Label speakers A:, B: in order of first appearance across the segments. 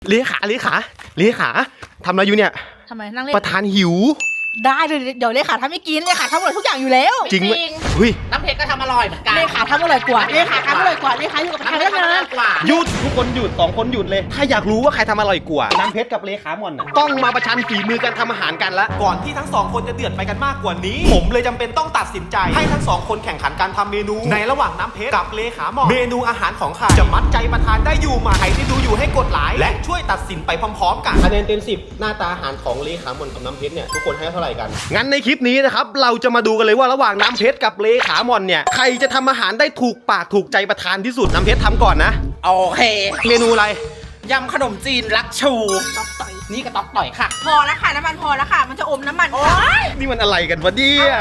A: เลขาทำอะไรอยู่เนี่ย
B: ทำไมนั่งเล่น
A: ประธานหิว
B: ได้เลยเดี๋ยวเลขาทำไม่กินเลขาทำอร่อยทุกอย่างอยู่แล้ว
A: จริงไหมเฮ้ย
C: น้ำเพชรก็ทำอร่อยเหมือนกัน
B: เลขาทำอร่อยกว่าเลขาทำอร่อยกว่าเลขาอยู่กับประธานได้นาน
C: กว่า
A: หยุดทุกคนหยุด2คนหยุดเลยถ้าอยากรู้ว่าใครทำอร่อยกว่าน้ำเพชรกับเลขาหม่อนต้องมาประชันฝีมือกันทำอาหารกันละก่อนที่ทั้ง2คนจะเดือดไปกันมากกว่านี้ผมเลยจำเป็นต้องตัดสินใจให้ทั้ง2คนแข่งขันการทำเมนูในระหว่างน้ำเพชรกับเลขาหม่อนเมนูอาหารของใครจะมัดใจประธานได้อยู่มาใครที่ดูอยู่ให้กดไลค์และช่วยตัดสินไปพร้อมๆกันคะแนนเต็ม10หน้าตาอาหารของเลขาหม่อนกับน้ำเพชรเนี่ยทุกคนให้เท่าไหร่กันงั้นในคลิปนี้นะครับเราจะมาดูกันเลยว่าระหว่างน้ำเพชรกับเลขาหม่อนเนี่ยใครจะทำอาหารได้ถูกปากถูกใจประธานที่สุดน้ำเพชรทำก่อนนะ
C: โอเค
A: เมนูอะไร
C: ยำขนมจีนลักชู
B: ต๊อกต่อย
C: นี่ก็ต๊อกต่อยค่ะ
B: พอแล้วค่ะน้ำมันพอแล้วค่ะมันจะอมน้ำมัน
A: นี่มันอะไรกันวะเนี่ย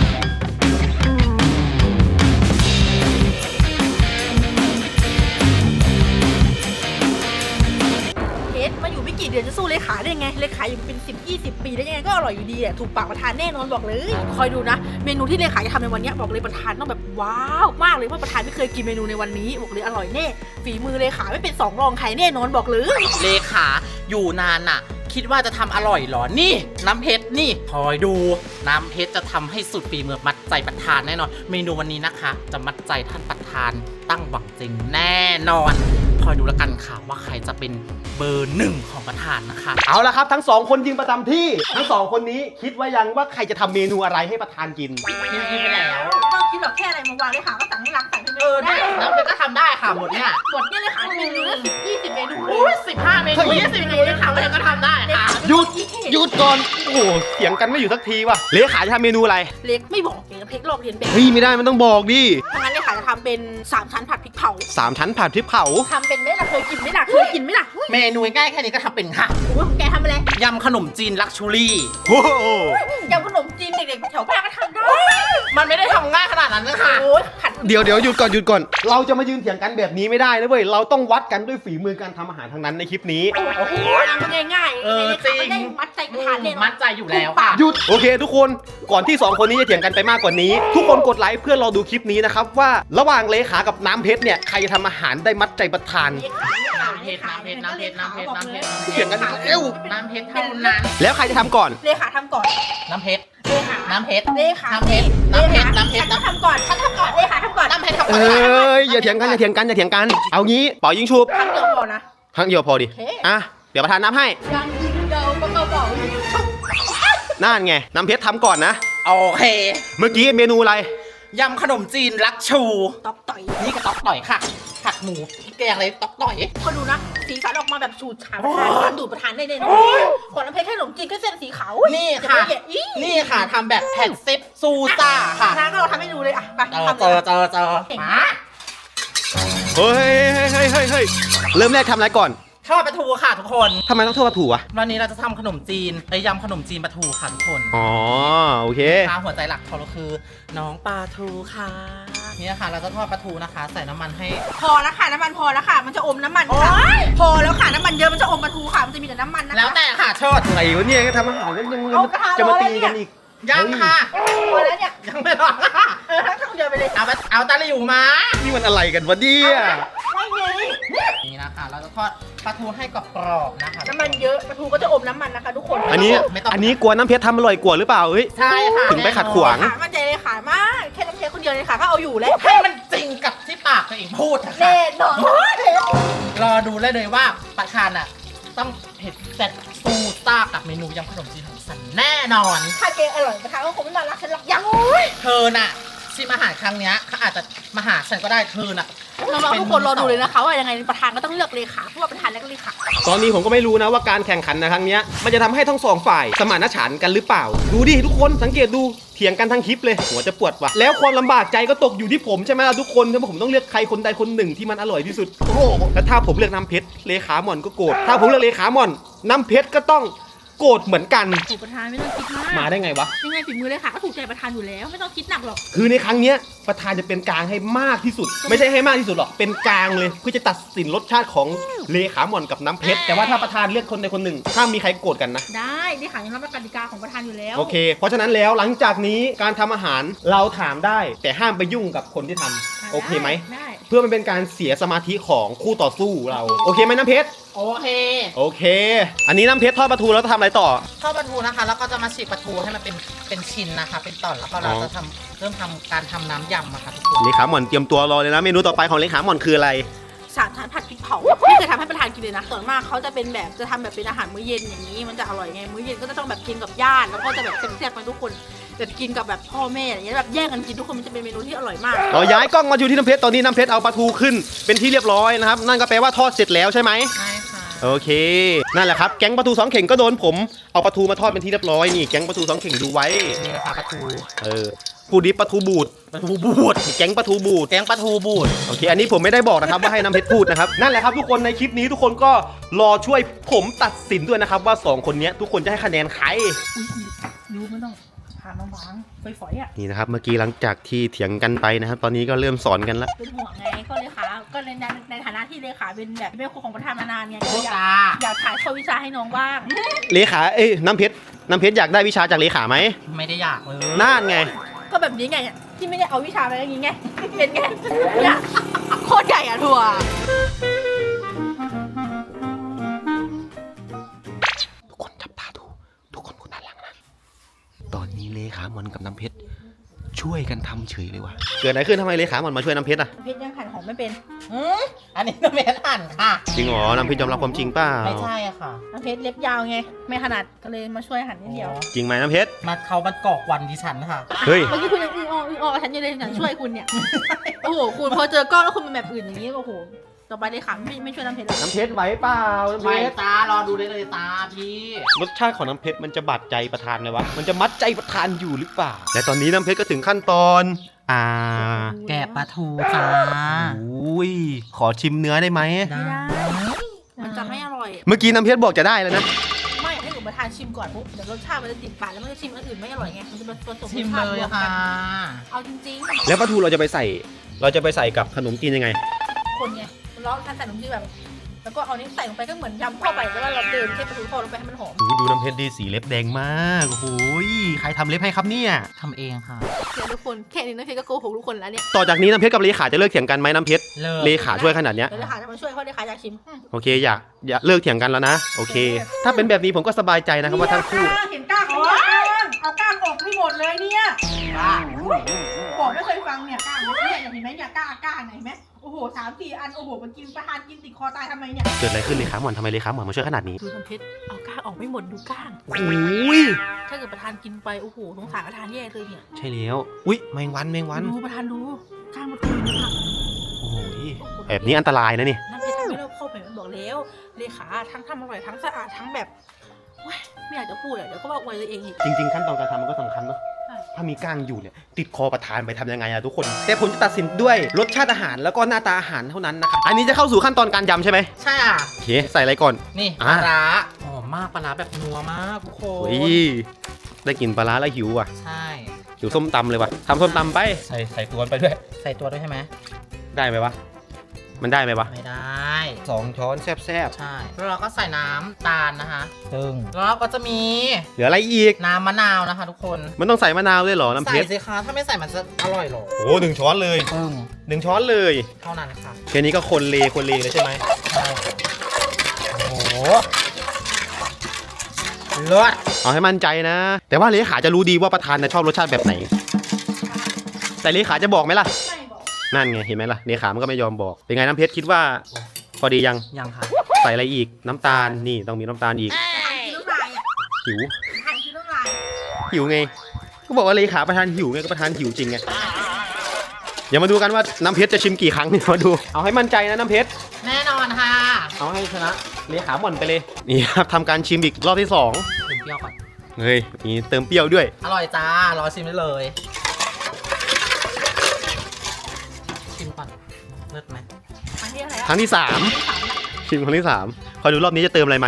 B: มาอยู่ไม่กี่เดือนจะสู้เลขาได้ไงเลขาอยู่เป็น10-20 ปีได้ยังไงก็อร่อยอยู่ดีถูกปากประธานแน่นอนบอกเลยคอยดูนะเมนูที่เลขาจะทำในวันนี้บอกเลยประธานต้องแบบว้าวมากเลยว่าประธานไม่เคยกินเมนูในวันนี้บอกเลยอร่อยแน่ฝีมือเลขาไม่เป็น2 รองใครแน่นอนบอกเลย
C: เลขาอยู่นานน่ะคิดว่าจะทำอร่อยหรอนี่น้ำเพชรนี่คอยดูน้ำเพชรจะทำให้สุดฝีมือมัดใจประธานแน่นอนเมนูวันนี้นะคะจะมัดใจท่านประธานตั้งหวังจริงแน่นอนคอยดูแล้วกันค่ะว่าใครจะเป็นเบอร์1ของประธานนะคะ
A: เอาละครับทั้ง2คนยืนประจำที่ทั้ง2คนนี้คิดว่ายังว่าใครจะทำเมนูอะไรให้ประธานกิน
C: กินไปแล้ว
B: ต้องคิดหรอกแค่อะไรมาวางเลขาก็สั่งให้ล้างใส่ให้
C: ได้น้ำเพชรก็ทำได้ค่ะหมดเนี่ย
B: เลขาเมนูละ10-20 เมนู
C: 15 เมนู20 เมนูเลขาก็ทำได้ค่ะ
A: หยุดก่อนโอ้โหเสียงกันไม่อยู่สักทีว่ะเลขาจะทำเมนูอะไร
B: เล็กไม่บอกเองเพชรลอกเรียนแบบ
A: เฮ้ยไม่ได้มันต้องบอกดิ
B: ถ้างั้นเลขาจะทำเป็น3 ชั้นผัดพริกเผา
A: 3 ชั้นผัดพริกเผา
B: ทำเป็นไหมล่ะเคยกินไหมล่ะ
C: เมนูง่ายแค่นี้ก็ทำเป็นค่ะ
B: โอ้ยแกทำอะไร
C: ยำขนมจีนลักชูรี่
A: โอ้โห
B: ยำขนมจีนเด็กๆแถวบ้านก็ทำได้
C: มันไม่ได้ทำง่ายขนาดนั้นนะคะ
A: เดี๋ยวหยุดก่อนเราจะมายืนเถียงกันแบบนี้ไม่ได้นะเว้ยเราต้องวัดกันด้วยฝีมือการทำอาหารทั้งนั้นในคลิปนี้
B: โอ้โหมันง่าย
C: จริง
B: มัดใจประธานเลย
C: มัดใจอยู่แล้วค่ะ
A: หยุดโอเคทุกคนก่อนที่2คนนี้จะเถียงกันไปมากกว่านี้ทุกคนกดไลค์เพื่อรอดูคลิปนี้นะครับว่าระหว่างเลขากับน้ำเพชรเนี่ยใครจะทำอาหารได้มัดใจประธาน
C: น้ำเพชร
A: เถียงกันเร็ว
C: น้ำเพชรเท่านั้น
A: แล้วใครจะทำก่อน
B: เลขาทำก่อน
C: น้ำเพชร
B: น้ำเพชรฉันทำก่อนเลขาทำก่อน
C: น้ำเพชรทำก่อน
A: อย่าเถียงกันเอางี้เป่ายิงฉุบ
B: ครั้งเดียวพอนะ
A: ครั้งเดียวพอดิอ่ะเดี๋ยวประธานนับให้
B: ยังยิงเดียวก็เป่ายิงฉุบ
A: นั่นไงน้ำเพชรทำก่อนนะ
C: โอเค
A: เมื่อกี้เมนูอะไร
C: ยำขนมจีนลักชู
B: ต๊อกต่อย
C: นี่ก็ต๊อกต่อยค่ะผัดหมูแกงอะไรต๊อกต่อย
B: ก็ดูนะสีสันออกมาแบบฉูดฉาดประธานดูดประธานได้เลยนะขอน้ำเพชรแค่ขนมจีนแค่เส้นสีขาว
C: นี่ค่ะทำแบบแผ่นซิปซูซ่าค่ะ
B: น้าก็เราทำให้ดูเลยอ่ะไป
C: เจอมา
A: เฮ้ยเริ่มแรกทำอะไรก่อน
C: ทอดปลาทูค่ะทุกคน
A: ทำไมต้องทอดปลาทูอะ
C: วันนี้เราจะทำขนมจีนยำขนมจีนปลาทูค่ะทุกคน
A: อ๋อโอเค
C: หัวใจหลักของเราคือน้องปลาทูค่ะนี่ค่ะเราจะทอดปลาทูนะคะใส่น้ำมันให้
B: พอแล้วค่ะน้ำมันพอแล้วค่ะมันจะอมน้ำมันค่ะพอแล้วค่ะน้ำมันเยอะมันจะอมปลาทูค่ะมันจะมีแต่น้ำมันนะคะ
C: แล้วแต่ค่ะชด
A: อะไรวะเนี่ยทำอาหารแล้วยังจะมาตีกันอีก
C: ยังค่ะ
B: พอแล้วเนี่ย
C: ยังไม่พอค่ะ
B: ทั้งเดียวไปเลย
C: เอาตะหลิวมา
A: นี่มันอะไรกันวะเนี่ย
C: นี่นะคะเราจะทอดปลาทูให้กรอบๆนะคะ
B: น้ำมันเยอะปลาทูก็จะอมน้ำมันนะคะทุกคน
A: อันนี้กลัวน้ำเพชรทำอร่อยกว่าหรือเปล่าเฮ้ย
C: ใช่ค่ะ
A: ถึงไปขัดขวาง
B: มันใจเลยขายมากแค่น้ำเพชรคนเดียวเลยค่ะก็เอาอยู่แล้ว
C: ให้มันจริงกับที่ปากตัวเองพูดนะคะ
B: แน่นอน
C: รอดูเลยว่าประธานอ่ะต้องเผ็ดแซ่บซูซ่ากับเมนูยำขนมจีนของฉันแน่นอน
B: ถ้าเกอร่อยประธานก็คงไม่มารักฉันหรอกยัง
C: เธอน่ะชิมอาหารครั้งนี้เขาอาจจะมาหาฉันก็ได้เธอน่ะ
B: น้องๆทุกคนรอดูเลยนะคะว่ายังไงประธานก็ต้องเลือกเลขาเพราะว่าประธานและเลขา
A: ตอนนี้ผมก็ไม่รู้นะว่าการแข่งขันในครั้งนี้มันจะทำให้ทั้ง2ฝ่ายสมานฉันท์กันหรือเปล่าดูดิทุกคนสังเกตดูเถียงกันทั้งคลิปเลยหัวจะปวดว่ะแล้วความลำบากใจก็ตกอยู่ที่ผมใช่ไหมล่ะทุกคนถ้าผมต้องเลือกใครคนใดคนหนึ่งที่มันอร่อยที่สุดโอ้โหแล้วถ้าผมเลือกน้ำเพชรเลขาหม่อนก็โกรธถ้าผมเลือกเลขาหม่อนน้ำเพชรก็ต้องโกรธเหมือนกัน
B: ถูกประธานไม่ต้องคิดมาก
A: มาได้ไงวะ
B: ยังไงฝีมือเลยค่ะก็ถูกใจประธานอยู่แล้วไม่ต้องคิดหนักหรอก
A: คือในครั้งนี้ประธานจะเป็นกลางให้มากที่สุดไม่ใช่ให้มากที่สุดหรอกเป็นกลางเลยเพื่อจะตัดสินรสชาติของเลขาหม่อนกับน้ำเพชรแต่ว่าถ้าประธานเลือกคนใดคนหนึ่งห้ามมีใครโกรธกันนะ
B: ได้เลขายังรับกติกาของประธานอยู่แล้ว
A: โอเคเพราะฉะนั้นแล้วหลังจากนี้การทำอาหารเราถามได้แต่ห้ามไปยุ่งกับคนที่ทำโอเคไหม
B: ได้
A: เพื่อมันเป็นการเสียสมาธิของคู่ต่อสู้เราโอเคไหมน้ำเพชร
C: โอเค
A: โอเค อันนี้น้ำเพชรทอดปลาทูแล้วจะทำอะไรต่อ
C: ทอดปลาทูนะคะ แล้วก็จะมาฉีกปลาทูให้มันเป็นชิ้นนะคะ เป็นตอนแล้วก็เราจะเริ่มทำการทำน้ำยำอะค่ะทุกคน
A: เลขาหม่อนเตรียมตัวรอเลยนะเมนูต่อไปของเลขาหม่อนคืออะไร
B: สามชั้นผัดพริกเผาไม่เคยทำให้ประธานกินเลยนะส่วนมากเขาจะเป็นแบบจะทำแบบเป็นอาหารมื้อเย็นอย่างนี้มันจะอร่อยไงมื้อเย็นก็จะต้องแบบกินกับญาติแล้วก็จะแบบแซ่บๆกันทุกคนแต่กินกับแบบพ่อแม่อย่างเงี้ยแบบแย่งกันกินทุกคนมันจะเป็นเมนูที่อร่อยมาก
A: เราย้ายกล้องมาอยู่ที่น้ำเพชรตอนนี้น้ำเพชรเอาปลาทูขึ้นเป็นที่เรียบร้อยนะครับนั่นก็แปลว่าทอดเสร็จแล้วใช่ไหม
C: ใช่ค่ะ
A: โอเคนั่นแหละครับแก๊งปลาทูสองเข่งก็โดนผมเอาปลาทูมาทอดเป็นที่เรียบร้อยนี่แก๊งปลาทูสองเข่งดูไว้
C: นี่นะคะปลาทู
A: ผู้ดิบปลาทูบูด
C: ปลาทูบูด
A: แก๊งปลาทูบูด
C: แกงปลาทูบูด
A: โอเคอันนี้ผมไม่ได้บอกนะครับว่าให้น้ำเพชรพูดนะครับนั่นแหละครับทุกคนในคลิปนี้ทุกคนก็รอช่วยผมตัดสินด้วยนะครับว่าสองคนนี้ทุกคนจะให้คะแนนใคร
B: รู้ไม่ต้องพาน้องบางฝอยๆอ่ะ
A: นี่นะครับเมื่อกี้หลังจากที่เถียงกันไปนะครับตอนนี้ก็เริ่มสอนกันแล้ว
B: เป็นห่วงไงก็เลขาก็ในฐานะที่เลขาเป็นแบบเป็นครูของประธานมานานไงก็
C: โอ้
B: อยาก
C: จ้า
B: อยากถ่ายทอดวิชาให้น้องบ้าง
A: เลขาน้ำเพชรอยากได้วิชาจากเลขาไหม
C: ไม่ได้อยากเลย
A: น่านไง
B: ก็แบบนี้ไงที่ไม่ได้เอาวิชาไปอย่างงี้ไงเป็นไงเนี่ยโคตรใหญ่อะถั่ว
A: ทุกคนจับตาดูทุกคนดูด้านหลังนะตอนนี้เลขาหมอนกับน้ำเพชรช่วยกันทำเฉยเลยว่ะเกิดอะไรขึ้นทำไมเลขาหมอนมาช่วยน้ำเพชรอ่ะ
B: เพชรยังหั่นหอมไม่เป็น
C: อันนี้น้ำเม็ดหั่นค่ะ
A: จริงเหรอน้ำเพชรยอมรับความจริงเปล่า
C: ไม่ใช่อะค่ะ
B: น้ำเพชรเล็บยาวไงไม่ถนัดก็เลยมาช่วยหั่นนิดเดียว
A: จริงไหมน้ำเพชร
C: เขามันกอกวันดิฉันค่ะ
A: เฮ้ย
B: เมื่อกี้คุณยังอึ้งอ้อฉันยังเลยช่วยคุณเนี่ยโอ้โหคุณพอเจอกล้องแล้วคุณเป็นแบบอื่นอย่างนี้โอ้โหต่อไปเลยค่ะไม่ช่วยน้ำเพชรแล้ว
A: น้ำเพชรไหวเปล่าน้ำเพ
C: ไม่
A: ชร
C: ตารอดูได้เลยตาพี่
A: รสชาติของน้ำเพชรมันจะบาดใจประธานเลยวะมันจะมัดใจประธานอยู่หรือเปล่าและตอนนี้น้ำเพชรก็ถึงขั้นตอน
C: แกะปลาทูจ้า
A: อุ้ยขอชิมเนื้อได้ไหม
B: ไม่ได้มันจะไม่อร่อย
A: เมื่อกี้น้ำเพชรบอกจะได้แล้วนะ
B: ไม่ให้หนูประทานชิมก่อนปุ๊บเดี๋ยวรสชาติมันจะติดปากแล้วมันจะชิมอันอื่นไม่อร่อยไงมันจะผสม
C: ชิม
B: รสชาติ
C: เลย
B: รวม
C: ค่ะ
B: กันเอาจริง
A: แล้วปลาทูเราจะไปใส่กับขนมจีนยังไง
B: ๆคนไงร้องทานใส่ขนมจีนแบบแล้วก็เอานี้ใส่ลงไปก็เหมือนยำเข้าไปแล้วเราเดินแค่ปลาทูทอดลงไปให้มันหอม
A: ดูน้ำเพชรดีสีเล็บแดงมากโอ้โหใครทำเล็บให้ครับเนี่ย
C: ทำเองค่ะ
B: เดี๋ยวทุกคนแค่นี้น้ำเพชรก็โกหกทุกคนแล้วเนี่ย
A: ต่อจากนี้น้ำเพชรกับเลขาจะเลิกเถียงกันไหมน้ำเพชร
C: เลิก
A: เลขาช่วยขนาดเนี้ย
B: เดี๋ยวเลขาจะมาช่วยเพราะเลขาอยากชิม
A: โอเคอย่าเลิกเถียงกันแล้วนะโอเค ถ้าเป็นแบบนี้ผมก็สบายใจนะครับว่าทั้งคู่
B: เห็นก้างเอาก้างออกให้หมดเลยเนี่ยบอกไม่เคยฟังเนี่ยก้างเนี่ยเห็นไหมเนี่ยก้างไหนไหมโอ้โห3-4 อันโอ้โหมันกินประทานกินติดคอตายทำไมเนี่ย
A: เกิดอะไรขึ้นเลขาหมอนทำไมเลขาหมอนมาช่วยขนาดนี้
B: ดูน้ำเพชรเอาก้างออกไม่หมดดูก้าง
A: โอ้ย
B: ถ้าเกิดประธานกินไปโอ้โหสงสารประธานแย่เลยเนี่ย
A: ใช่แล้วอุ้ยแมงวัน
B: ดูประธานดูก้างมันตุยเลยค่ะ
A: โอ้โหแบบนี้อันตรายนะนี่
B: น้ำเพชรทำไม่รอบคอบไปมันบอกแล้วเลขาทั้งทำอร่อยทั้งสะอาดทั้งแบบเว้ยไม่อยากจะพูดอะเดี๋ยวก็บอกไว้ตัวเองอีก
A: จริงๆขั้นตอนการทำมันก็สำคัญเนาะ
B: ใช่
A: ถ้ามีก้างอยู่เนี่ยติดคอประธานไปทำยังไงอะทุกคน แต่ผมจะตัดสินด้วยรสชาติอาหารแล้วก็หน้าตาอาหารเท่านั้นนะครับอันนี้จะเข้าสู่ขั้นตอนการยำใช่ไหม
C: ใช่อ่ะ
A: โอเคใส่อะไรก่อน
C: นี่ป
A: อ่ะ
C: ลาร้าหอมมากปลาร้าแบบนัวมากทุกคน
A: โอ้ยได้กลินปลาร้าแล้วหิวว่ะ
C: ใช่
A: หิวส้มตำเลยว่ะทำส้มตำไปใส่ตัวไปด้วย
C: ใส่ตัวด้วยใช่ไหม
A: ได้ไหมวะมันได้ไหมวะ
C: ไม่ได้
A: 2 ช้อนแซ่บ
C: ใช่แล้วเราก็ใส่น้ำตาลนะคะซึ่งแล้วเราก็จะมี
A: ๆเหลืออะไรอีก
C: น้ำมะนาวนะคะ ทุกคน
A: มันต้องใส่มะนาวด้วยเหรอน้ำเพ
C: ใส่
A: ชร
C: สิคะถ้าไม่ใส่มันจะอร่อยเหรอ
A: โอ้1 ช้อนเลย
C: ซึ่ง
A: 1 ช้อนเลย
C: เท่านั้นค่ะ
A: แค่นี้ก็คนเลเลยใช่ไหม
C: ใช่โอ้โหเลิศ
A: เอาให้มั่นใจนะ แต่ว่าเลขาจะรู้ดีว่าประธานนะชอบรสชาติแบบไหน แต่เลขาจะบอกไหมล่ะ
B: ไม่บอก
A: นั่นไงเห็นไหมล่ะเลขามันก็ไม่ยอมบอก เป็นไงน้ำเพชรคิดว่า พอดียัง
C: ยังค่ะ
A: ใส่อะไรอีกน้ำตาลนี่ต้องมีน้ำตาลอีก
B: กินน้ำลายอ่ะ
A: หิว
B: ทานกินน้ำลาย
A: หิวไงก็บอกว่าเลขาประธานหิวไงก็ประธานหิวจริงไงเดี๋ยวมาดูกันว่าน้ำเพชรจะชิมกี่ครั้งเนี่ยมาดูเอาให้มั่นใจนะน้ำเพชร
C: แน่นอนค่ะ
A: เอาให้ชนะเลขาหม่อนไปเลยนี่ครับทำการชิมอีกรอบที่2
C: ถึงเปรี้ยวก่อน
A: เฮ้ยมีเติมเปรี้ยวด้วย
C: อร่อยจ้ารอชิมได้เลย ชิมก่อนเลิศไหม
B: อันที่อะไร
A: ครั้งที่
B: สาม
A: 3ชิมครั้งที่3คอยดูรอบนี้จะเติมอะไรไหม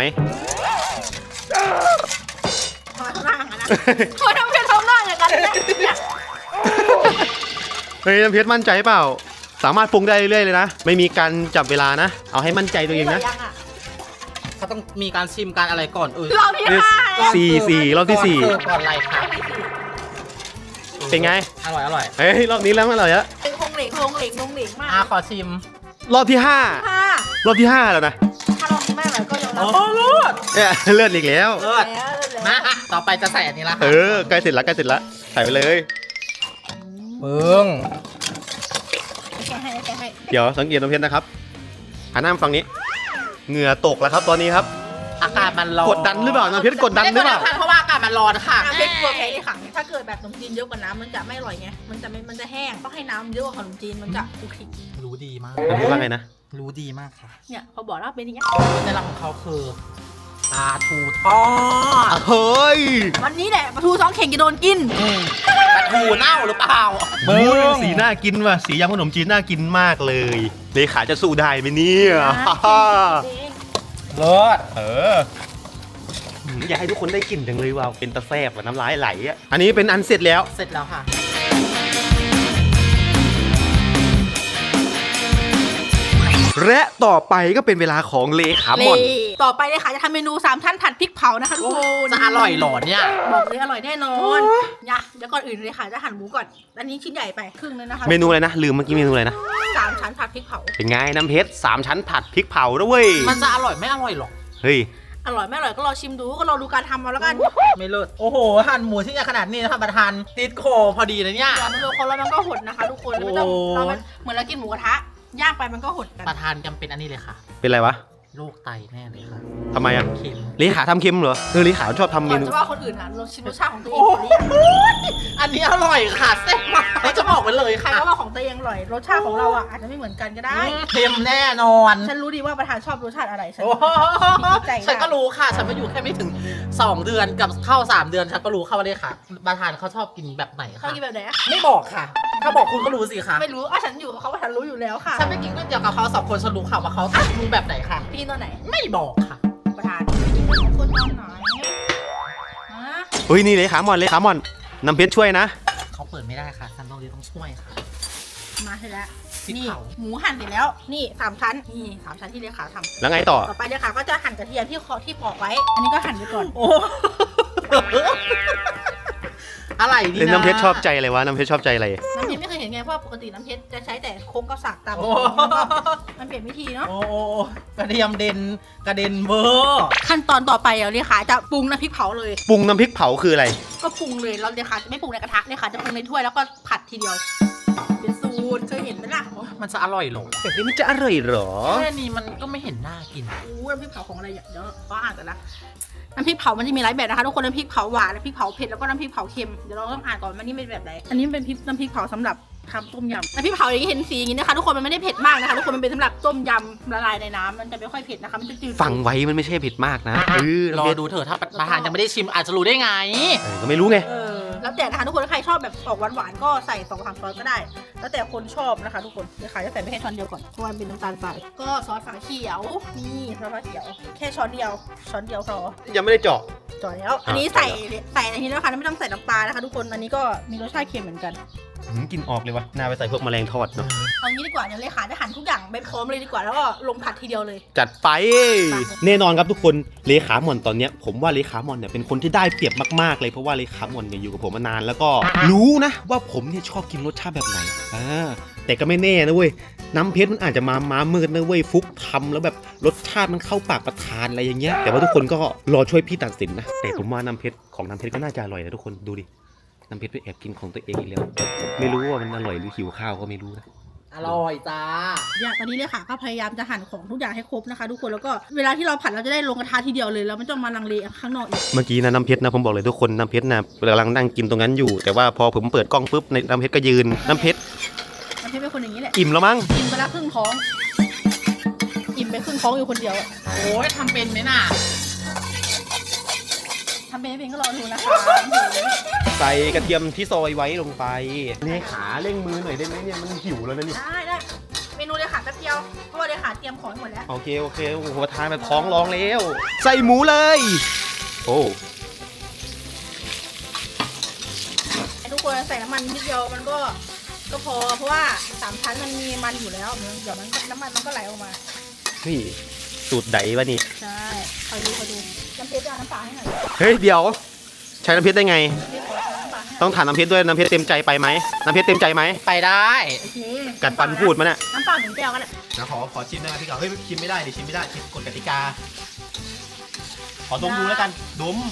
B: ทำไมทำหน้าอย่างนั้นนะทำไมทำเพชรทำหน้าอย่างนั้นเนี่ย
A: เฮ้ยน้ำเพชรมั่นใจเปล่าสามารถปรุงได้เรื่อยๆเลยนะไม่มีการจับเวลานะเอาให้มั่นใจตัวเองนะ
B: ยังอ่ะ
C: เขาต้องมีการชิมการอะไรก่อน
B: รอบที่ห้า
C: ก่อน
A: สี่รอบที่สี่
C: ก่อนเสิร์ฟก่อนอะไรคะ
A: เป็นไง
C: อร่อย
A: เฮ้ยรอบนี้แล้วมันอร่อยแล้ว
B: เป็นคงเหลเหลกลงเหลกลงเหลกมาก
C: ขอชิม
A: รอบที่ห้า
B: ค่ะ
A: รอบที่ห้าแล้วนะ
B: ถ้าลองไม่อร่อยก็ยอมรับ
C: เลิศ
A: เนี่ยเลือดอีกแล้ว
C: เลิศ
B: แล้ว
C: มาต่อไปจะใส่อันนี้ละ
A: เออใกล้เสร็จแล้วใกล้เสร็จแล้วใส่ไปเลย
C: ปึ้ง
B: แกให้
A: เดี๋ยวสังเกตน้ำเพชรนะครับหันหน้ามาฝั่งนี้เหงื่อตกแล้วครับตอนนี้ครับ
C: อากาศมันร้อน
A: กดดันหรือเปล่าน้ำเพชรกดดันหรือเปล่า
C: ไม่ได้กดดันค่ะเพราะว่าอากาศมันร้อนค่ะ
B: น้ำพริกตัวแข็งที่ขังถ้าเกิดแบบขนมจีนเยอะกว่าน้ำมันจะไม่อร่อยไงมันจะแห้งต้องให้น้ำเยอะกว่าขนมจีนมันจะคลุกคลิก
C: รู้ดีมาก
A: น้ำเพชรว่าไงนะ
C: รู้ดีมากค่ะ
B: เนี่ยพอบอกแล้วเป็นอย่างเงี้ย
C: ในหลักของเขาคือปลาทูทอด
A: เฮ้ย
B: วันนี้แหละปลาทู2 เข่งจะโดนกิน
C: ปลาทูเน่าหรือเปล่า
A: สีน่ากินว่ะสียำขนมจีนน่ากินมากเลยเลขาจะสู้ได้ไหมเนี่ย
C: เลิศ
A: เอออยากให้ทุกคนได้กลิ่นจังเลยว่ะเป็นตะแซ่บว่ะน้ำลายไหลอ่ะอันนี้เป็นอันเสร็จแล้ว
C: เสร็จแล้วค่ะ
A: และต่อไปก็เป็นเวลาของเลขาหมอน
B: ต่อไปเลยค่ะจะทำเมนู3 ท่านผัดพริกเผานะคะทุกคน
C: จะอร่อยเหรอเนี่ย
B: บอกเลยอร่อยแน่นอนเนี่ยเดี๋ยวก่อนอื่นเลยค่ะจะหั่นหมูก่อนอันนี้ชิ้นใหญ่ไปครึ่งนึงนะคะ
A: เมนูอะไรนะลืมเมื่อกี้เมนูอะไรนะ
B: 3 ชั้นผัดพริกเผา
A: เป็นไงน้ำเพชร3 ชั้นผัดพริกเผาด้วยเวย
C: มันจะอร่อยไม่อร่อยหรอก
A: เฮ้ย
B: อร่อยไม่อร่อยก็รอชิมดูก็รอดูการทำเอาแล้วกัน
C: ไม่เลิศโอ้โหหั่นหมูที่ใหญ่ขนาดนี้นะคะประธานติดคอพอดีเลยเนี่ย
B: อย่ามาโดนคนแล้วมันก็หดนะคะทุกคนไม่ต้อง
C: โอ้
B: เราเหมือนเรากินหมูกระทะย่างไปมันก็หดกัน
C: ประธานจำเป็นอันนี้เลยค่ะ
A: เป็นไรวะ
C: โรคไตแน่เลยค่ะ
A: ทำไมอ่ะ
C: เค็ม
A: เลขาทำเค็มเหรอเลขาชอบทำเม
B: ก่อน
A: นู
B: จะว่าคนอื่นอ่ะเราชิมรสชาติของตัวเอง
C: โอ้
B: ก่อนหรือยัง
C: อันนี้อร่อยค่ะแซ่บมากเราจะบอกไว้เลย
B: ใคร
C: ค่ะ
B: ก็ว่าของตัวเองอร่อยรสชาติของเราอ่ะอาจจะไม่เหมือนกันก็ได้
C: เค็มแน่นอน
B: ฉันรู้ดีว่าประธานชอบรสชาติอะไรฉัน
C: โอ้โห
B: มีใจ
C: ฉันก็รู้ค่ะ ฉันมาอยู่แค่ไม่ถึง 2 เดือนกับเข้า 3 เดือน ฉันก็รู้ค่ะว่าเลยค่ะ ประธานเขาชอบกินแบบไหน
B: เขา
C: ค่ะ
B: กินแบบไหนอะ
C: ไม่บอกค่ะ ถ้าบอกคุณก็รู้สิค่ะ
B: ไม่รู้อ่ะฉันอยู่กับเขาว่าฉันรู้อยู่แล้วค่ะ
C: ฉันไม่กินก๋วยเตี๋ยวกับเขา2 คนฉันรู้ค่ะว่าเขารู้แบบไหนค่ะ
B: พี่ตอนไหน
C: ไม่บอกค่ะ
B: ประธานไม่กินของคนตอนไหนฮะ
A: เฮ้ยนี่เลขาหมอนน้ำเพชรช่วยนะ
C: เขาเปิดไม่ได้ค่ะฉันต้องช่วยค่ะ
B: มาให้แล้ว
C: พริก
B: นี่
C: เผา
B: หมูหั่นเสร็จแล้วนี่3 ชั้นนี่3 ชั้นที่เลขาทำ
A: แล้วไงต่อ
B: ต่อไปเลขาก็จะหั่นกระเทียมที่ปอกไว้ อันนี้ก็หั่นไปก่อน
C: โอ้ อะไรดี
A: เล่น
C: นะ
A: น้ำเพชรชอบใจอะไรวะน้ำเพชรชอบใจอะไร
B: น้ำเพชรไม่เคยเห็นไงเพราะปกติน้ำเพชรจะใช้แต่โค้งก็สักตาม
C: โอ้
B: มันเปลี่ยนวิธีเนาะ
C: โอ้กระเทียมเด่นกระเด็นเวอร์
B: ขั้นตอนต่อไปเลขาจะปรุงน้ำพริกเผาเลย
A: ปรุงน้ำพริกเผาคืออะไร
B: ก็ปรุงเลยเราเลขาจะไม่ปรุงในกระทะเลขาจะปรุงในถ้วยแล้วก็ผัดทีเดียว เป็นสูตรเคยเห็นไหมล่ะ
C: มันจะอร่อยเหรอ
A: แบบนี้มันจะอร่อยเหรอ
C: แค่นี้มันก็ไม่เห็นน่ากิน
B: อู้น้ำพริกเผาของอะไรอย่างเดี๋ยวก็อ่านกันนะน้ำพริกเผามันจะมีหลายแบบนะคะทุกคนน้ำพริกเผาหวานน้ำพริกเผาเผ็ดแล้วก็น้ำพริกเผาเค็มเดี๋ยวเราต้องอ่านก่อนว่านี่เป็นแบบไหนอันนี้เป็นน้ำพริกเผาสำหรับทำต้มยำน้ำพริกเผาอย่างที่เห็นสีอย่างนี้นะคะทุกคนมันไม่ได้เผ็ดมากนะคะทุกคนมันเป็นสำหรับต้มยำละลายในน้ำมันจะไม่ค่อยเผ็ดนะคะมันจะจืด
A: ฟังไว้มันไม่ใช่ผิดมากนะน้ำ
C: รอ
A: เพชร
C: ดูเถอะถ้าประธานยังไม่ได้ชิมอาจจะรู้ได้ไง
A: ก็ไม่รู้ไง
B: แล้วแต่นะคะทุกคนถ้าใครชอบแบบออกหวานๆก็ใส่2-3 ช้อนก็ได้ แล้วแต่คนชอบนะคะทุกคนเลขาจะใส่ไปแค่ช้อนเดียวก่อนเพราะว่ามันเป็นน้ำตาลทรายก็ซอสฝาเขียวนี่ซอสฝาเขียวแค่ช้อนเดียวพอ
A: ยังไม่ได้เจาะ
B: จ่อยแล้ว อันนี้ใส่อันนี้แล้วค่ะไม่ต้องใส่น้ำปลานะคะทุกคน อันนี้ก็มีรสชาติเค็มเหมือนกัน
A: กินออกเลยวะน่าไปใส่พวกแมลงทอดเนาะ
B: เอางี้ดีกว่าเดี๋ยวเลขาจะหั่นทุกอย่างไปพร้อมเลยดีกว่า แล้วก็ลงผัดทีเดียวเลย
A: จัดไปแน่นอนครับทุกคนเลขาหมอนตอนเนี้ยผมว่าเลขาหมอนเนี่ยเป็นคนที่ได้เปรียบมากๆเลยเพราะว่าเลขาหมอนเนี่ยอยู่กับผมมานานแล้วก็รู้นะว่าผมเนี่ยชอบกินรสชาติแบบไหนแต่ก็ไม่แน่นะเว้ยน้ำเพชรมันอาจจะมามืดนะเว้ยฟุกทำแล้วแบบรสชาติมันเข้าปากประทานอะไรอย่างเงี้ยแต่ว่าทุกคนก็รอช่วยพี่ตัดสินนะแต่ผมว่าน้ำเพชรของน้ำเพชรก็น่าจะอร่อยนะทุกคนดูดิน้ำเพชรไปแอบกินของตัวเองอีกแล้วไม่รู้ว่ามันอร่อยหรือหิวข้าวก็ไม่รู้นะ
C: อร่อยจ้า
B: อย่างตอนนี้เลขาก็พยายามจะหั่นของทุกอย่างให้ครบนะคะ ทุกคน แล้วก็เวลาที่เราผัดเราจะได้ลงกระทะทีเดียวเลยแล้วไม่ต้องมาลังเลข้างนอกอีก
A: เมื่อกี้นะน้ำเพชรนะผมบอกเลยทุกคนน้ำเพชรนะกำลังนั่งกินตรงนั้นอยู่ แต่ว่าพอผมเปิดกล้องปุ๊บในน้ำเพชรก็ยืนน้ำเพชร
B: มันเป็นคนอย่างนี้แหละ
A: อิ่มแล้วมั้ง
B: กินไปละครึ่งท้อง อิ่มไปครึ่งท้องอยู่คนเดียวอะ
C: โอ้ยทำเป็นไหมน่ะ
B: ทำเป็นไม่เป็นก็รอดูนะคะ
A: ใส่กระเทียมที่ซอยไว้ลงไปเลขาเร่งมือหน่อยได้ไหมเนี่ยมันหิวแล้วนะนี่
B: ได้เมนูเลขาแป๊บเดียวเพราะว่าเลขาเตรียมของให้หมดแล้ว
A: โอเคโอ้โหทานแบบท้องร้องแล้ว ใส่หมูเลยโอ้
B: ทุกคนใส่น้ำมันนิดเดียวมันก็พอเพราะว่า3 ชั้นมันมีมันอยู่แล้วเดี๋ยวน้ำมันมันก็ไหลออกมา
A: นี่สูตรใดวะนี่
B: ใช่คอยดูน้ำเพชรเอาน้ำปลาให้หน่อย
A: เฮ้ยเดี๋ยวใช้น้ำเพชรได้ไง
B: พี่ขอน้ำปลาให้
A: ต้องถามน้ำเพชรด้วยน้ำเพชรเต็มใจไปไหมน้ำเพชรเต็มใจไหม
C: ไปได้
B: โอเค
A: กัดฟันพูดมาเนี่ย
B: น้ำเปล่า1 แก้วกันแหละ
A: เดี๋ยวขอชิมได้ไหมพี่เก่าเฮ้ยชิมไม่ได้ดิชิมไม่ได้ชิมกฎกติกา ขอดมดูแล้วกันดม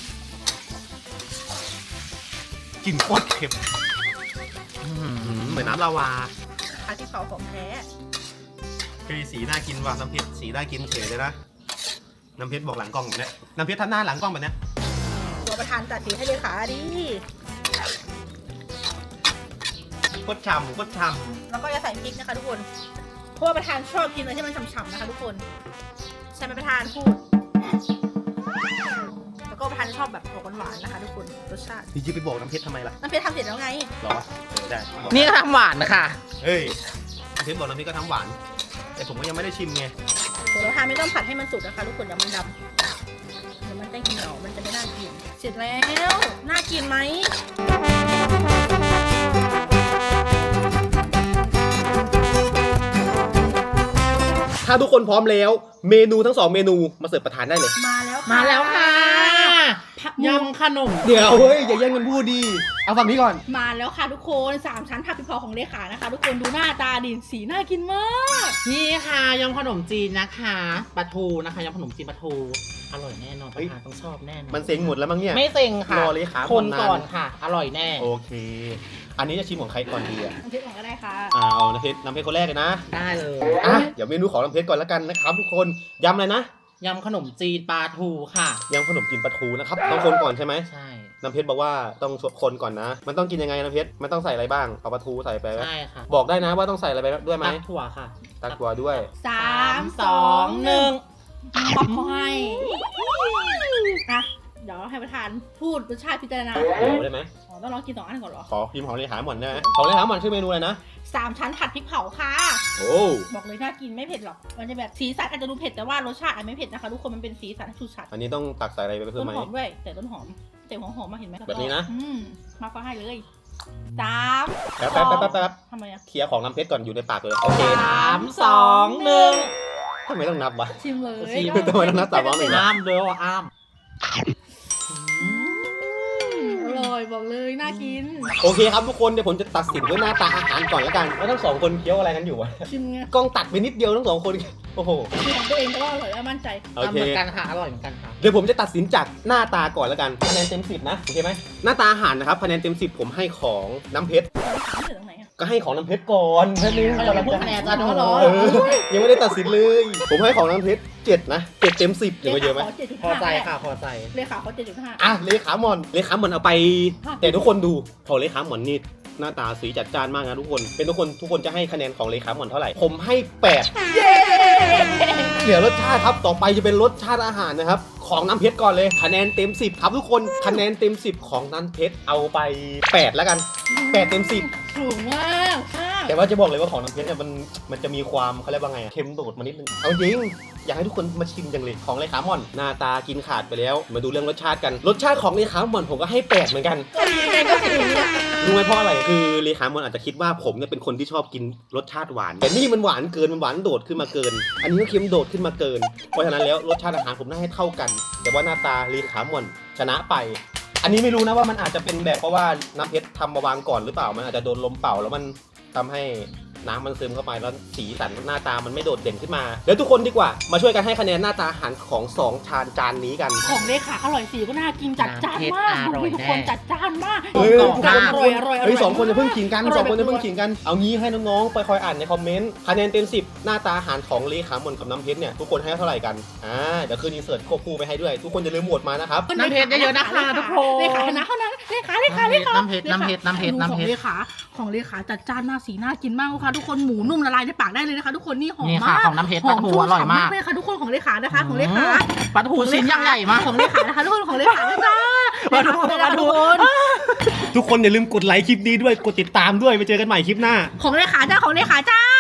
A: กลิ่นโคตรเค็มเหมือนน้ำลาวา
B: ผัดพริกเผาของแท้
A: เฮ้ยสีน่ากินว่ะน้ำเพชรสีน่ากินเฉยเลยนะน้ำเพชรบอกหลังกล้องแบบเนี้ยน้ำเพชรทำหน้าหลังกล้องแบบเนี้ย
B: ตัวประธานจัดสีให้เลขาดิ
A: โคตรฉ่ำโคตรฉ่
B: แล้วก็จะใส่พริกนะคะทุกคนเพราะว่าประธานชอบกินอะไรที่มันฉ่ำๆนะคะทุกคนใช่ไหมประธานพูดแล้วก็ประธานชอบแบบออกหวานๆนะคะทุกคนรสชาติ
A: ำนี่จะไปบอกน้ำเพชรทำไมล่ะ
B: น้ำเพชรทำเสร็จแล้วไง
A: หรอได้บอก
C: นี่ก็ทำหวานนะคะ
A: เฮ้ยน้ำเพชรบอกน้ำเพชรก็ทำหวาน แต่ผมก็ยังไม่ได้ชิมไง
B: เดี๋ยวประธานไม่ต้องผัดให้มันสุกนะคะทุกคนเดี๋ยวมันดำเดี๋ยวมันจะเหนียวมันจะไม่น่ากินเสร็จแล้วน่ากินไหม
A: ถ้าทุกคนพร้อมแล้วเมนูทั้ง2เมนูมาเสิร์ฟประทานได้เลย
B: มาแล้ว
C: มาแล้วค่ะ
B: ผัก
C: ยำขนม
A: เดี๋ยวเฮ้ยอย่าแย่งกันพูดดีเอาฝั่งนี้ก่อน
B: มาแล้วค่ะทุกคน3 ชั้นผัดพริกเผาของเลขานะคะ ทุกคนดูหน้าตาดิสีน่ากินมาก
C: นี่ค่ะยำขนมจีนนะคะปลาทูนะคะยำขนมจีนปลาทูอร่อยแน่นอนประธานต้องชอบแน่นอน
A: มันเซ็งหมดแล้วมั้งเนี่ย
C: ไม่เซ็งค่ะ
A: รอเลยครับ
C: คน
A: นาน
C: ก่อนค่ะ อร่อยแน่
A: โอเค อันนี้จะชิมของใครก่อนดีอ่ะ
B: น้ำพริกก่อนก็ได้ค่ะ
A: เอาน้ำเพชรคนแรกเลยนะ
C: ได้เลย
A: อ่ะเดี๋ยวเมนูของน้ำเพชรก่อนแล้วกันนะครับทุกคนยำอะไรนะ
C: ยำขนมจีนปลาทูค่ะ
A: ยำขนมจีนปลาทูนะครับต้องคนก่อนใช่ไหม
C: ใช่
A: น้ำเพชรบอกว่าต้องคนก่อนนะ มันต้องกินยังไงน้ำเพชรมันต้องใส่อะไรบ้างเอาปลาทูใส่ไปไหม
C: ใช่ค่ะ
A: บอกได้นะว่าต้องใส่อะไรไปด้วยไหม
C: ตักถั่วค่ะ
A: ตักตัวด้วย
B: 3 2 1ป๊อปเขาให้อ่ะเดี๋ยวให้ประธานพูดรสชาติพิจารณา
A: โอ้ได้ไหม
B: อ๋อต้องลองกิน2 อันก่อนเหรอ
A: ขอพิมพ์ของเลขาหม่อนได้ไหมของเลขาหม่อนชื่อเมนูอะไรนะ
B: 3 ชั้นผัดพริกเผาค่ะ
A: โอ้
B: บอกเลยน่ากินไม่เผ็ดหรอกมันจะแบบสีสันอาจจะดูเผ็ดแต่ว่ารสชาติอาจไม่เผ็ดนะคะทุกคนมันเป็นสีสันชูชัด
A: อันนี้ต้องตักใส่อะไรไปเพิ่
B: ต้
A: ม
B: น
A: ไหม
B: หอมด้วยแต่ต้นหอมแต่หัวหอมมาเห็นไหม
A: แบบนี้นะ
B: มาก็ให้เลย3
A: แป๊บ
B: ทำไมอะ
A: เคลียร์ของน้ำเพชรก่อนอยู่ในปากเลยโอเค
C: 3 2 1
A: ทำไมต้องนับวะ
B: ชิมเลย
C: ชิม
A: ทำไมต้องนับ3 2 1
C: อ้ามเด้ออ้าม
B: อร่อยบอกเลยน่ากิน
A: โอเคครับทุกคนเดี๋ยวผมจะตัดสินด้วยหน้าตาอาหารก่อนแล้วกันว่าทั้งสองคนเคี้ยวอะไรกันอยู่วะ
B: ชิมไง
A: กล้องตัดไปนิดเดียวทั้งสองคนโอ้โห
B: ชิมของตัวเองก็อร่อยและมั่นใจ
A: โอ
C: เห
A: เค
C: มือนกันค่ะ อร่อยเหมือนกันค่ะ
A: เดี๋ยวผมจะตัดสินจากหน้าตาก่อนแล้วกันคะแนนเต็ม10นะโอเคไหมหน้าตาอาหารนะครับคะแนนเต็ม10ผมให้ของน้ำเพชร
B: ถามเสร็จตรงไหนอะ
A: ก็ให้ของน้ำเพชรก่อนแค่นี้
C: เราจะพูดคะแนนกันเนอะเหรอ
A: เออยังไม่ได้ตัดสินเลย ผมให้ของน้ำเพชร7นะ7เต็ม10หรือว่าเยอะไหม
C: พอใจค่ะ พอใจ
B: เลขาเขา7.5
A: อ่ะเลขาหมอนเอาไป แต่ทุกคนดูของเลขาหมอนนี่หน้าตาสีจัดจ้านมากนะทุกคนเป็นทุกคนจะให้คะแนนของเลขาหมอนเท่าไหร่ผมให้8
B: เย้
A: เดี๋ยวรสชาติครับต่อไปจะเป็นรสชาติอาหารนะครับของน้ำเพชรก่อนเลยคะแนนเต็ม10ครับทุกคนคะแนนเต็ม10ของน้ำเพชรเอาไป8แล้วกัน8เต็ม10
B: สูงมากค่ะ
A: แต่ว่าจะบอกเลยว่าของน้ำเพชรเนี่ยมันจะมีความเขาเรียกว่าไงอะเค็มโดดมานิดนึงเอาจริงอยากให้ทุกคนมาชิมจังเลยของเลขาหม่อนหน้าตากินขาดไปแล้วมาดูเรื่องรสชาติกันรสชาติของเลขาหม่อนผมก็ให้8เหมือนกัน
B: ก็ยังไงก็สูงนะ
A: รู้ไหมเพราะอะไรคือเลขาหม่อนอาจจะคิดว่าผมเนี่ยเป็นคนที่ชอบกินรสชาติหวานแต่นี่มันหวานเกินมันหวานโดดขึ้นมาเกิน อันนี้ก็เค็มโดดขึ้นมาเกินเพราะฉะนั้นแล้วรสชาติอาหารผมน่าให้เท่ากัน แต่ว่าหน้าตาเลขาหม่อนชนะไป อันนี้ไม่รู้นะว่ามันอาจจะเป็นแบบเพราะว่าน้ำเพชรทำมาวางก่อนหรือเปล่ามันอาจจะโดนลมเป่าแล้วมันทำให้น้ำมันซึมเข้าไปแล้วสีสันหน้าตามันไม่โดดเด่นขึ้นมาเดี๋ยวทุกคนดีกว่ามาช่วยกันให้คะแนนหน้าตาอาหารของ2จานนี้กัน
B: ของเลขาอร่อยสีก็น่ากินจัดจ้านมาก
C: อร่อย
B: ทุก
C: แน่
B: คนจัดจ้านมาก
A: เฮ้ย
B: อร่อยอร่อย
A: เฮ้ยสองคนจะเพิ่งขิงกัน
B: อร่อย
A: สองคน
B: แบบ
A: จะเพิ่งขิงกันเอางี้ให้น้องๆไปคอยอ่านในคอมเมนต์คะแนนเต็ม10หน้าตาอาหารของเลขาหม่อนกับน้ำเพชรเนี่ยทุกคนให้เท่าไหร่กันเดี๋ยวคืนอินเสิร์ตควบคู่ไปให้ด้วยทุกคนอย่าลืมโหวตมานะครับ
C: น้ำเพชรเยอะๆนะคะทุกคน
B: เลขาชนะเท่านั้นเลขา
C: น้ำเพชร
B: ของเลขาจัดจ้านมากสีน่ากินมากค่ะทุกคนหมูนุ่มละลายในปากได้เลยนะคะทุกคนนี่หอม
C: นี่
B: มา
C: ค่ะ
B: ก
C: ของน้ำเพชรปลาทูอร่อยมาก
B: เลยค่ะทุกคนของเลขานะคะของเลขา
C: ปลาทูชิ้นยังใหญ่มาก
B: ของเลขานะคะทุกคนของเลขานะจ้า
C: ปลาทู
B: เลขาทุกคน
A: ทุกคนอย่าลืมกดไลค์คลิปนี้ด้วยกดติดตามด้วยไปเจอกันใหม่คลิปหน้า
B: ของเลขาจ้าของเลขาจ้า